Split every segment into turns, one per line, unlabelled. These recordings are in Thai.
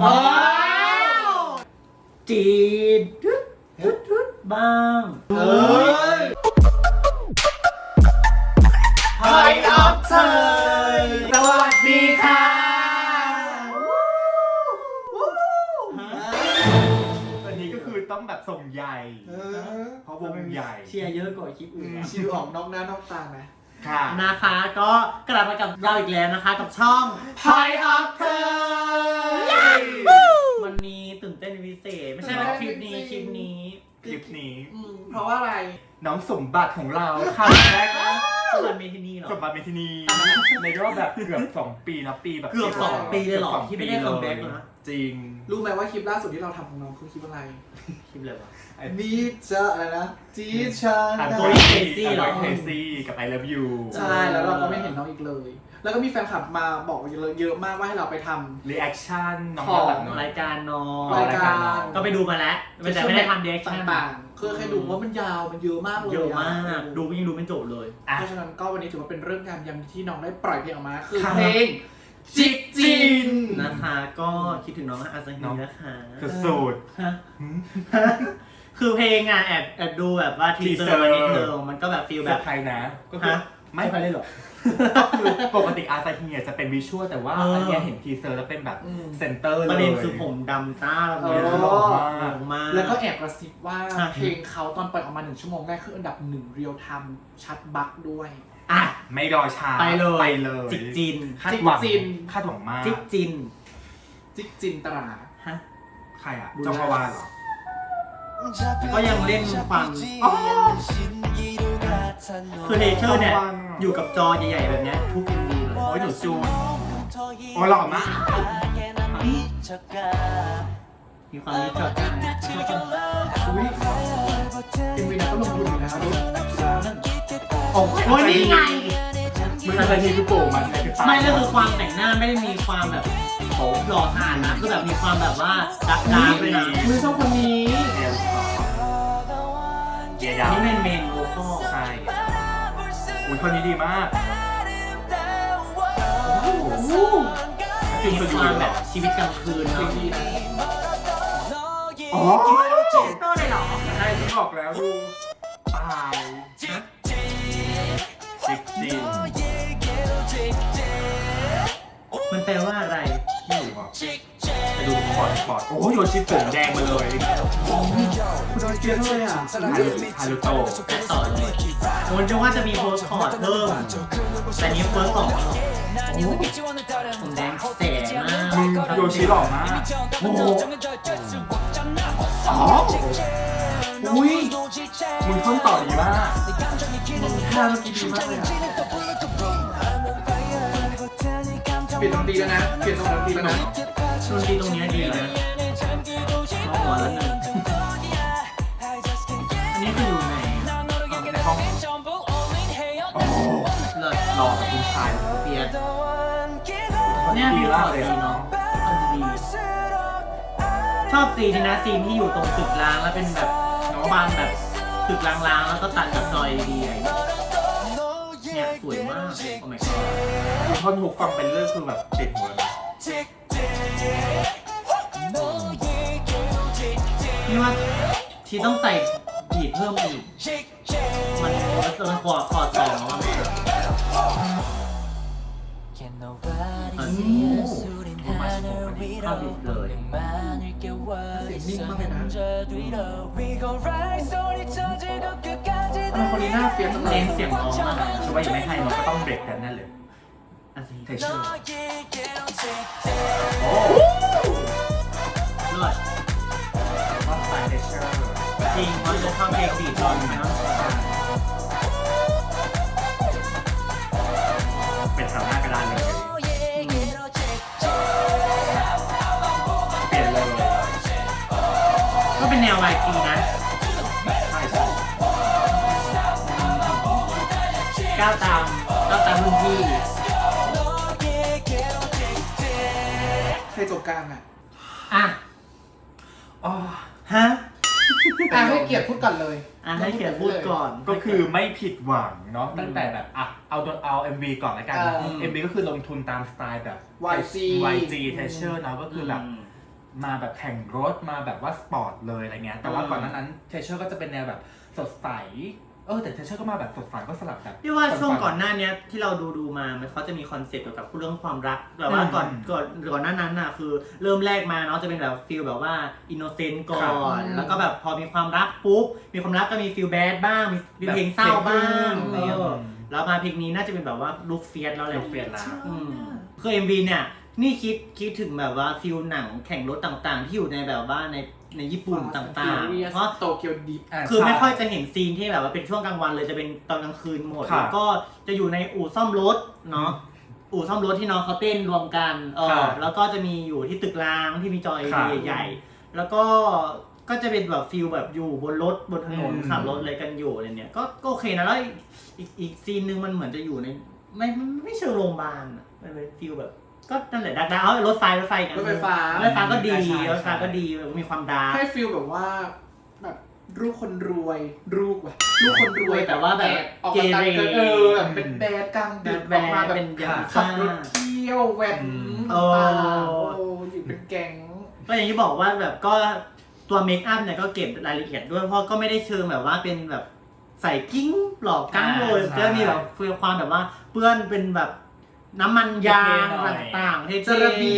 จีนทุดบ้าง
ไฮอัพเธอสวัสดีค่ะวันนี้ก็คือต้องแบบส่งใหญ่เพราะวงใหญ่
เชียร์เยอะกว่าคลิปอื่น
ชิวออกนอกหน้านอกตาไหม
ค่ะ
นะคะก็กลับมากับเราอีกแล้วนะคะกับช่องไฮอัพเธอวันนี้ตื่นเต้นพิเศษไม่ใช่ว่าคลิปนี้
เพราะว่าอะไร
น้องสมบัติของเราค่ะแรก
สมบัติเมทินีเหรอ
สมบัติเมทินีในรอบแบบเกือบ2 ปีนะปีแบบ
เกือบ2 ปีเลยหรอที่ไม่ได้คัมแบ็กนะ
จริง
รู้ไหมว่าคลิปล่าสุดที่เราทำของน้องคือคลิปอะไร
คลิปอะไรวะ
นี่จะอะไรนะจีชัน
ตัวเคซี่เหรอเคซี่กับ I Love You
ใช่แล้วเราก็ไม่เห็นน้องอีกเลยแล้วก็มีแฟนคลับมาบอกเยอะมากว่าให้เราไปทำ
reaction น้อง
รายการน้อง
รายการ
ก็ไปดูมาแล้วแต่ไม่ได้ทำ reaction
ต่างๆคือแค่ดูว่ามันยาวมันเยอะมากเลย
เยอะมากดูยังดูไม่จบเลย
เพราะฉะนั้นก็วันนี้ถือว่าเป็นเรื่องการยำที่น้องได้ปล่อยเพลงออกมาคือเพลงจิกจิน
นะคะก็คิดถึงน้องอาซาฮินะคะ
สุด
คือเพลงอ่ะแอบดูแบบว่าทีเซอร์นิดนึงมันก็แบบฟีลแบบ
ไทยนะก็คือ
ไม่ไปเลยหรอ
ก็คือปกติอาซาฮิจะเป็นวิชวลแต่ว่าอันนี้เห็นทีเซอร์แล้วเป็นแบบเซนเตอร์เลย
ประเด็นคือผมดำต้าเลยมาก
แล้วก็แอบกระซิบว่าเพลงเขาตอนปล่อยออกมา1 ชั่วโมงแรกคืออันดับ1เรียลไทม์ชัดบักด้วย
อ่ะไม่รอช้า
ไปเลยจิกจิน
คาดหวังมาก
จิกจิน
ตรา
ฮะใครอ่ะจอมพวานเหรอ
ก็ยังเล่นความคือเทเชอร์เนี่ยอยู่กับจอใหญ่ๆแบบนี้ทุกMVเลย
โอ้ยหนูจูนโอ้หล่อมาก
มีความรู้จักกัน
MVนั้นก็ลงทุนอยู่นะ
โอ้ยนี่ไง
มันอะไรที่คือโป่งมัน
ไม่ก็คือความแต่งหน้าไม่ได้มีความแบบหล่อผ่านนะคือแบบมีความแบบว่าดักเลยนะ
มือชอบคนนี้
นี่เป็นเมนโวคอล
ใช่อุ้ยคนนี้ดีมาก
คือมีความแบบชีวิตกลางคืนเนาะ
อ๋อโตเลยเหรอใช่ที่บอกแล้วดูตายจิกจิน
มันแปลว่าอะไร
ไม่รู้อ่ะไปดูคอร์ดโอ้ยโยชิผมแดงมาเลย
คุณโดนเกลียดเลยอ่ะ
ฮารุโตะ
ต่อเลยผมจะว่าจะมีโพสคอร์ดเพิ่มแต่นี้เฟิร์ส2ผมแดงแสบมาก
โยชิหล่อมาก
โอ้โห
อุ้ย
มึงท่อนต่อดีมาก
ท่าดีมากเลยอ่ะเปลี่ยนดนตรีแล้วนะเปลี่ยนดนตรีแล้วนะ
ดนตรีตรงนี้ดีนะเอาหัวแล้วนะอันนี้คืออยู่ไหน
ในห้องโอ้
เลิศ
หล่อกับคุณชาย
เปียดเนี่ยมีหล่อเลยเนาะชอบซีนนะซีนที่อยู่ตรงตึกร้างแล้วเป็นแบบบางแบบตึกร้างๆแล้วก็ตัดกับจอยดีเนี่ยสวยมากโอ้ my god
คุณท่อนหูฟังเป็นเรื่องคือแบบติดหัวเลย
นี่ว่าที่ต้องใส่บีทเพิ่มอีกมันคอร์ด2แล้วมันเข้าบิดเลย
เสียงนิ่งมากเลยนะคนนี้น่าเฟี้ยวจังเลย
เสียงน้องมาก
ช่วยยังไม่ให้มันก็ต้องเบรกกันนั่นเลยเทเชอร์โอ้
เลิศ
ว่าสายเทเชอร์
จริงมันจะทำเพลงบีทตอนไหมเนาะ
เป็นแถวหน้ากระดานเลยเปลี่ยนเลย
ก็เป็นแนว YG นะ
ใช่
ก้าวตามรุ่นพี่
ใครจบกลางอ่ะ
ฮะ
ให้เกียรติพูดก่อนเลย
ให้เกียรติพูดก่อน
ก็คือไม่ผิดหวังเนาะตั้งแต่แบบเอา MV ก่อนแล้วกัน MV ก็คือลงทุนตามสไตล์แบบ
YG
Treasure เนาะก็คือแบบมาแบบแข่งรถมาแบบว่าสปอร์ตเลยอะไรเงี้ยแต่ว่าก่อนหน้านั้นเทเชอร์ก็จะเป็นแนวแบบสดใสแต่เทเชอร์ก็มาแบบสดใสก็สลับแบบ
พี่ว่าช่วงก่อนหน้านี้ที่เราดูมามันเขาจะมีคอนเซ็ปต์เกี่ยวกับเรื่องความรักแต่ว่าก่อนหน้านั้นน่ะคือเริ่มแรกมาเนาะจะเป็นแบบฟีลแบบว่าอินโนเซนต์ก่อนแล้วก็แบบพอมีความรักปุ๊บมีความรักก็มีฟีลแบดบ้างมีเพลงเศร้าบ้างแล้วมาเพลงนี้น่าจะเป็นแบบว่าลุคเฟียสแล้วแหละ
ลุคเฟียสแล้ว
คือ MV เนี่ยนี่คิดถึงแบบว่าฟิลหนังแข่งรถต่างๆ ที่อยู่ในแบบว่าในญี่ปุ่นต่างๆเพราะ
โตเกียวดิฟ
คือไม่ค่อยจะเห็นซีนที่แบบว่าเป็นช่วงกลางวันเลยจะเป็นตอนกลางคืนหมดแล้วก็จะอยู่ในอู่ซ่อมรถเนาะอู่ซ่อมรถที่น้องเขาเต้นรวมกันแล้วก็จะมีอยู่ที่ตึกร้างที่มีจอ LED ใหญ่ๆแล้วก็จะเป็นแบบฟิลแบบอยู่บนรถบนถนนขับรถอะไรกันอยู่อะไรเนี่ยก็โอเคนะแล้วอีกซีนนึงมันเหมือนจะอยู่ในไม่เชิงโรงพยาบาลอะมันเป็นฟิลแบบก็นั่นแหละดักรถไฟกัน
รถไฟฟ้า
ก็ดีรถไฟก็ดีมีความดาร์ก
ให้ฟีลแบบว่าแบบลูกคนรวยลูกคนรวย
แต่ว่าแบบ
ออกมาตัดแบบเป็นแบดกลางดึกออกมาแบบขับรถเที่ยวแหวนต่างๆอยู่เป็นแก๊ง
ก็อย่างที่บอกว่าแบบก็ตัวเมคอัพเนี่ยก็เก็บรายละเอียดด้วยเพราะก็ไม่ได้เชิงแบบว่าเป็นแบบใส่กิ้งหลอกกั้งเลยจะมีแบบฟีลความแบบว่าเปื้อนเป็นแบบน้ำมันยางต่างๆจระบี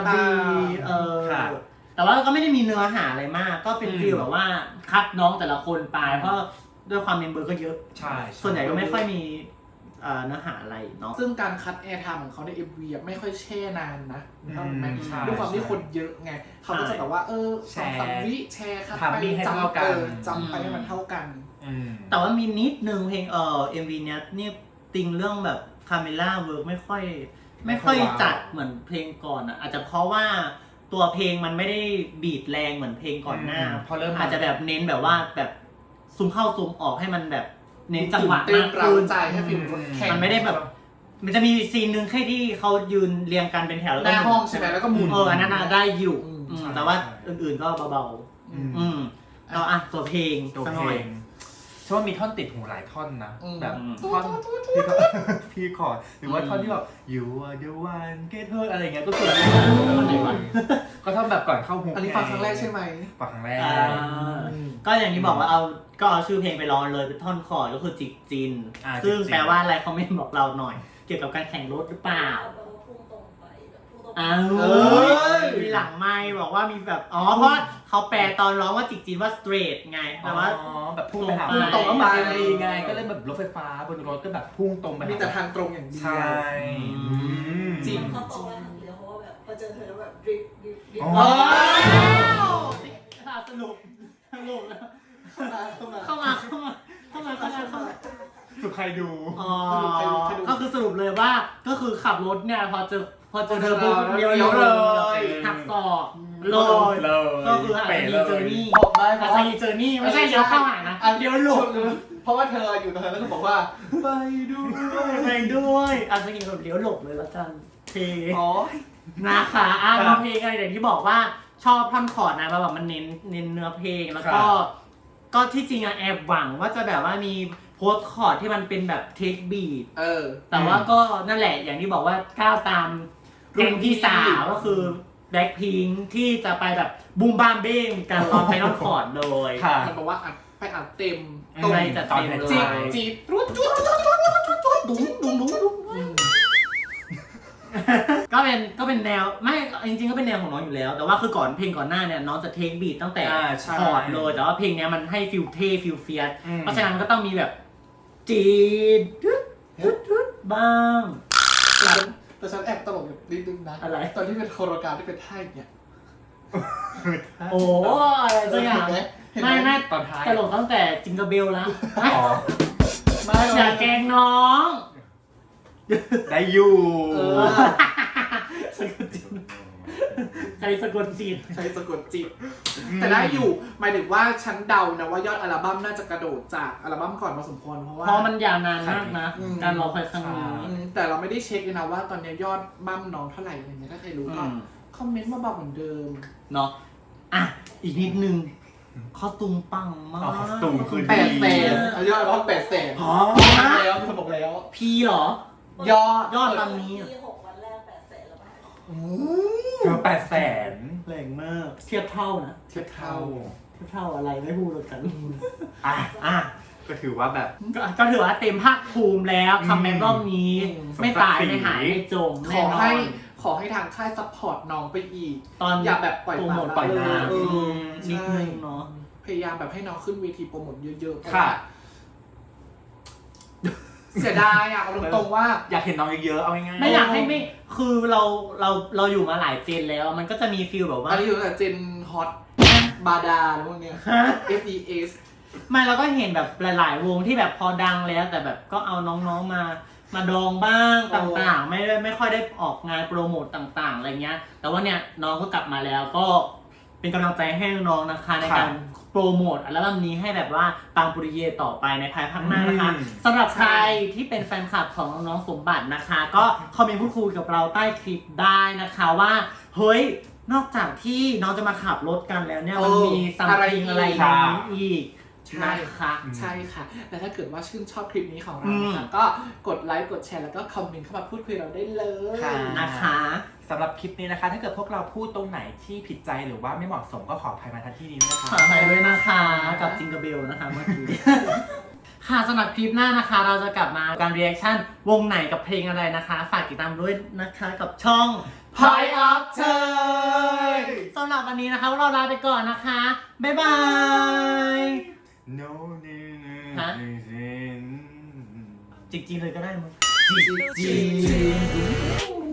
แต่ว่าก็ไม่ได้มีเนื้อหาอะไรมากก็เป็นฟีลแบบว่าคัดน้องแต่ละคนไปเพราะด้วยความเมมเบอร์ก็เยอะ
ใช่
ส่วนใหญ่ก็ไม่ค่อยมีเนื้อหาอะไรเนาะ
ซึ่งการคัดแอร์ไทม์ของเขาใน MV ไม่ค่อยแช่นานนะด้วยความที่คนเยอะไงเขาก็จะแบบว่า2-3 วิแชร์คัดไปจำไปให้มันเท่ากัน
แต่ว่ามีนิดนึงเพลงMV เนี้ยนี่ติงเรื่องแบบคาเมล่าเวิร์กไม่ค่อยจัดเหมือนเพลงก่อนอ่ะอาจจะเพราะว่าตัวเพลงมันไม่ได้บีทแรงเหมือนเพลงก่อนหน้า
พอเริ่ม
อาจจะแบบเน้นแบบว่าแบบซูมเข้าซูมออกให้มันแบบเน้นจังหวะมาก
ขึ้
น
ให้ฟิล
มันไม่ได้แบบมันจะมีซีนนึงแค่ที่เขายืนเรียงกันเป็นแถวแล้วก็
หน้าห้องใช่ไหมแล้วก็หมุน
อันนั้นได้อยู่แต่ว่าอื่นๆก็เบาๆเราตัวเพลง
เพราะว่ามีท่อนติดหูหลายท่อนนะแบบท่อนพี่คอร์ดหรือว่าท่อนที่แบบ you are the one get her อะไรเงี้ยก็คือก็ท่อนแบบก่อนเข้าหู
อันนี้ฟังครั้งแรกใช่ไหม
ฟังครั้งแรก
ก็อย่างที่บอกว่าเอาชื่อเพลงไปร้องเลยเป็นท่อนคอร์ดก็คือจิกจินซึ่งแปลว่าอะไรคอมเมนต์บอกเราหน่อยเกี่ยวกับการแข่งรถหรือเปล่ามีหลังไมค์บอกว่ามีแบบเพราะเขาแปลตอนร้องว่าจิกจีนว่า straight ไงแต่ว่า
แบบพุ่งไปหาตรงไปไงก็เลยแบบรถไฟฟ้าบนรถก็แบบพุ่งตรงไป
มีแต่ทางตรงอย่างเดียว
ใช่
จริงเขาบอกว่าทางเดียวเพราะว่าแบบพอเจอเธอแล้วแบบดริฟ
สรุปแล้วเข้ามา
สุดใครดู
ก็คือสรุปเลยว่าก็คือขับรถเนี่ยพอเจอเธอปุ๊บเลี้ยวเลยหักศอกเลยก็คืออาจจะมีเจอร์นี่อาจจะมีเจอร์นี่ไม่ใช่เลี้ยวเข้าหานะเลี้ยวหลบ
เพราะว่าเธออยู่ตรงนั้นแล้วก็บอกว่า
ไปด้วยอาจจะมีแบบเลี้ยวหลบเลยแล้วกันเพลงนะคะเพลงอะไรอย่างที่บอกว่าชอบท่อนคอร์ดนะแบบมันเน้นเนื้อเพลงแล้วก็ที่จริงแอบหวังว่าจะแบบว่ามีโพสคอร์ดที่มันเป็นแบบเทคบีทแต่ว่าก็นั่นแหละอย่างที่บอกว่าก้าวตามรุ่นพี่สาวก็คือแบล็คพิงค์ที่จะไปแบบบูมบามเบ้งกันตอนไฟนอลคอร์ดเลย
มันบอกว่าไปอัดเต็ม
ตรงจะเต็มเลย
จีบรุดจุด
ก็เป็นแนวไม่จริงๆก็เป็นแนวของน้องอยู่แล้วแต่ว่าคือก่อนเพลงก่อนหน้าเนี่ยน้องจะเทคบีทตั้งแต่คอร์ดเลยแต่ว่าเพลงนี้มันให้ฟิลเท่ฟิลเฟียสเพราะฉะนั้นก็ต้องมีแบบจีดบ้าง
แต่ฉันแอบตลกอยู่นิดนึงนะ
อะไร
ตอนที่เป็นโคโรกราฟที่เป็นท่าอย่างเงี้ย
โอ้อะไรสักอย่างไม่ตลกตั้งแต่จิงเกิลเบลแล้วไม่อย่าแกล้งน้อง
ได้อยู่
ใครสะกดจิต
แต่ได้อยู่หมายถึงว่าฉันเดานะว่ายอดอัลบั้มน่าจะกระโดดจากอัลบั้มก่อนพอสมควรเพราะ
มันยาวนานมากนะการรอคอยครั้งนี้
แต่เราไม่ได้เช็คเลยนะว่าตอนนี้ยอดบั้มน้องเท่าไหร่อะไรเงี้ยถ้าใครรู้ก็คอมเมนต์มาบอกเหมือนเดิม
เนาะอีกนิดนึงคอสตูมปังมาก
คอสตูมคือ
800,000ยอดว่า800,000แล้วเขาบอกแล้ว
พี่หรอยอดตอนนี้
6 วันแรก800,000แล้วป่ะ
800,000
แรงมากเทียบเท่านะ
เทียบเท่า
เทียบเท่าอะไรไม่พูดแล้วกัน
อ่ะก็ถือว่าแบบ
ก็ถือว่าเต็มภาคภูมิแล้วคัมแบ็กรอบนี้ ไม่ตายไม่หายไม่จม
ข
แน่
อน
อ
ให้
น
ขอให้ทางค่ายซัพพอร์ตน้องไปอีก
ตอน
อย่าแบบปล่อย
โปรโมท
ป
ปล่
ละ
อย
ละ
มา
เออ
นิด
ใช่
นึงเนาะ
พยายามแบบให้น้องขึ้นเวทีโปรโมทเยอะๆเพราะ
ค่ะ
ว่าเสียดายอ่ะเอาตรงๆว่า
อยากเห็นน้องเยอะๆเอาง่ายๆ
ไม่อยากให้ไม่คือเราอยู่มาหลายเจนแล้ว มันก็จะมีฟีลแบบว่า
อันนี้อยู่ตั้งแต่เจนฮอตบาดาแล้วพวกเนี้ย FES
ไม่เราก็เห็นแบบหลาย ๆ วงที่แบบพอดังแล้ว แต่แบบก็เอาน้องๆมาดองบ้างต่างๆ ไม่ค่อยได้ออกงานโปรโมตต่างๆอะไรเงี้ย แต่ว่าเนี่ยน้องก็กลับมาแล้วก็เป็นกำลังใจให้น้องๆนะคะในการโปรโมทอัลบั้มนี้ให้แบบว่าปังปุริเย่ต่อไปในภายภาคหน้านะคะสำหรับใครที่เป็นแฟนคลับของน้องๆสมบัตินะคะ ก็คอมเมนต์พูดคุยกับเราใต้คลิปได้นะคะว่าเฮ้ยนอกจากที่น้องจะมาขับรถกันแล้วเนี่ยมันมีซัมติงอะไรอย่างนี้อีก
ใช่
นะคะ
ใช่ค่ะ และถ้าเกิดว่าชื่นชอบคลิปนี้ของเรานะคะก็กดไลค์กดแชร์แล้วก็คอมเมนต์เข้ามาพูดคุยเราได้เลย
ค่ะ
นะคะ
สำหรับคลิปนี้นะคะ ถ้าเกิดพวกเราพูดตรงไหนที่ผิดใจหรือว่าไม่เหมาะสมก็ขออภัยมาทันที่นี้ด้วยนะ
ข
คะ
อไปด้วยนะคะกับจิงเกอร์เบลนะคะเมื่อกี้ ค่ะสำหรับคลิปหน้านะคะ เราจะกลับมาการรีแอคชั่นวงไหนกับเพลงอะไรนะคะ ฝากติดตามด้วยนะคะกับช่อง
Point of เธอ
สำหรับวันนี้นะคะพวกเราลาไปก่อนนะคะ บ๊ายบาย
No
ฮะ
no
จริงๆเลยก็ได้มั้ง
จริง